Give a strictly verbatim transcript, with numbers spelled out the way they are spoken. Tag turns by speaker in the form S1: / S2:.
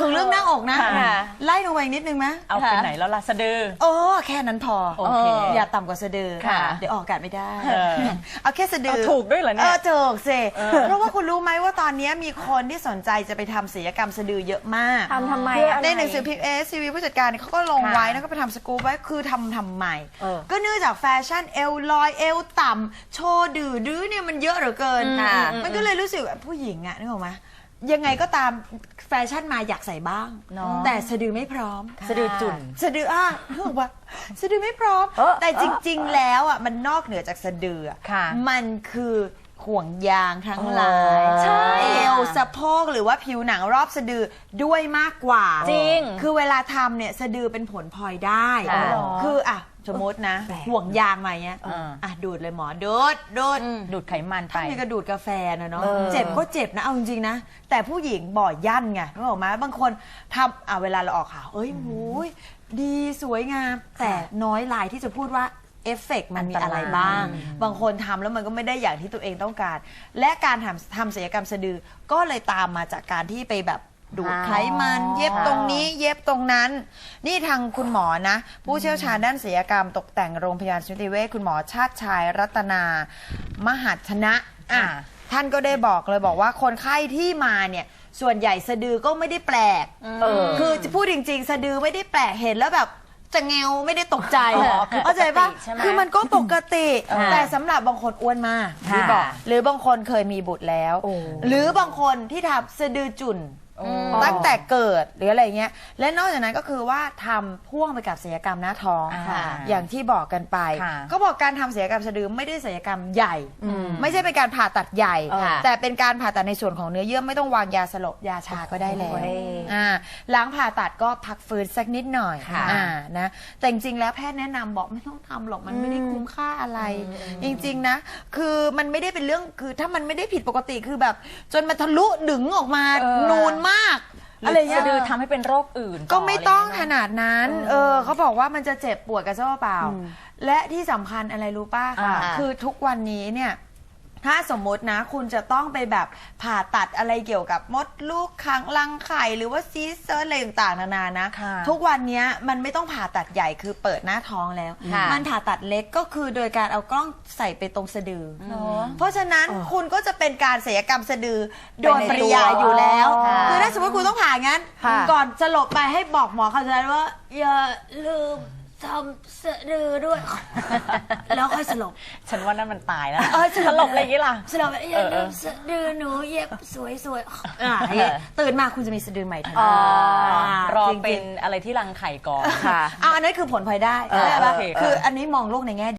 S1: งเรื่องหน้าอกนะไล่ลงไปอีกนิดนึงไหม
S2: เอาเป็นไหนแล้วล่ะสะดือ
S1: โอ้แค่นั้นพอ
S2: โอเค
S1: อย่าต่ำกว่าสะดือเดี๋ยวออกอากาศไม่ได้เอาแค่สะดือ
S2: ถูกด้วยเหรอเนี่ย
S1: เออถูกสิเพราะว่าคุณรู้ไหมว่าตอนนี้มีคนที่สนใจจะไปทำศัลยกรรมสะดือเยอะมาก
S3: ทำทำไม
S1: ในหนังสือพิมพ์เอสซีวีผู้จัดการเขาก็ลงไว้แล้วก็ไปทำสกู๊ปไว้คือทำทำใหม่ก็เนื่องจากแฟชั่นเอวลอยเอวต่ำโชว์ดื้อดื้อเนี่ยมันเยอะเหลือเกินมันก็เลยรู้สึกผู้หญิงอะนึกออกไหมยังไงก็ตามแฟชั่นมาอยากใส่บ้างแต่สะดือไม่พร้อม
S2: สะดือจุ่น
S1: สะดืออ่ะนึกออกปะสะดือไม่พร้อมแต่จริงๆแล้วอ่ะมันนอกเหนือจากสะดือมันคือห่วงยางทั้งหลายเอวสะโพกหรือว่าผิวหนังรอบสะดือด้วยมากกว่า
S2: จริง
S1: คือเวลาทำเนี่ยสะดือเป็นผลพลอยได้คืออ่ะสมมตินะห่วงยางมาเนี้ยอ่ะดูดเลยหมอดูดดูด
S2: ดูดไขมันไป
S1: ถ้ามีกระดูดกาแฟนะเนาะเจ็บก็เจ็บนะเอาจริงๆนะแต่ผู้หญิงบ่อยั่นไงรู้ไหมบางคนทำอ่ะเวลาเราออกข่าวเอ้ยโอ้ยดีสวยงามแต่น้อยรายที่จะพูดว่าเอฟเฟกต์มันมีอะไรบ้างบางคนทำแล้วมันก็ไม่ได้อย่างที่ตัวเองต้องการและการทำทำศัลยกรรมสะดือก็เลยตามมาจากการที่ไปแบบดูดไขมันเย็บตรงนี้เย็บตรงนั้นนี่ทางคุณหมอนะผู้เชี่ยวชาญด้านศัลยกรรมตกแต่งโรงพยาบาลสมิติเวชคุณหมอชาติชายรัตนามหัชนะอ่ะท่านก็ได้บอกเลยบอกว่าคนไข้ที่มาเนี่ยส่วนใหญ่สะดือก็ไม่ได้แปลกคือจะพูดจริงๆสะดือไม่ได้แปลกเห็นแล้วแบบจะเงวไม่ได้ตกใจเข้าใจปะคือมันก็ปกติแต่สำหรับบางคนอ้วนมากที่บอกหรือบางคนเคยมีบุตรแล้วหรือบางคนที่ทำสะดือจุ่นตั้งแต่เกิดหรืออะไรเงี้ยและนอกจากนั้นก็คือว่าทำพ่วงไปกับศัลยกรรมหน้าท้องอย่างที่บอกกันไปก็บอกการทำศัลยกรรมสะดือไม่ได้ศัลยกรรมใหญ่ไม่ใช่เป็นการผ่าตัดใหญ่แต่เป็นการผ่าตัดในส่วนของเนื้อเยื่อไม่ต้องวางยาสลบยาชาก็ได้แล้วหลังผ่าตัดก็พักฟื้นสักนิดหน่อยนะแต่จริงๆแล้วแพทย์แนะนำบอกไม่ต้องทำหรอกมันไม่ได้คุ้มค่าอะไรจริงๆนะคือมันไม่ได้เป็นเรื่องคือถ้ามันไม่ได้ผิดปกติคือแบบจนมาทะลุดึงออกมานูนมาก
S2: อะไรเงี้ยสะดือทำให้เป็นโรคอื่น
S1: ก็ไม่ต้องขนาดนั้นเออเขาบอกว่ามันจะเจ็บปวดกระเจ้าเปล่าและที่สำคัญอะไรรู้ป่ะคือทุกวันนี้เนี่ยถ้าสมมตินะคุณจะต้องไปแบบผ่าตัดอะไรเกี่ยวกับมดลูกขังรังไข่หรือว่าซีสเซอร์อะไรต่างๆนานานะทุกวันนี้มันไม่ต้องผ่าตัดใหญ่คือเปิดหน้าท้องแล้วมันผ่าตัดเล็กก็คือโดยการเอากล้องใส่ไปตรงสะดือเพราะฉะนั้นคุณก็จะเป็นการศัลยกรรมสะดือโดยปริยายอยู่แล้วคือถ้าสมมติคุณต้องผ่างั้นก่อนสลบไปให้บอกหมอเขาจะได้ว่าอย่าลืมทำสะดือด้วยแล้วค่อยสลบ
S2: ฉันว่านั่นมันตายแล้วสลบอะไรอย่างนี้ล่ะ
S1: สลบอย่าลืมสะดือหนูเย็บสวยๆตื่นมาคุณจะมีสะดือใหม่ทันที
S2: รอเป็นอะไรที่รังไข่ก่อน
S1: ค่ะเอาอันนั้นคือผลพลอยได้คืออันนี้มองโลกในแง่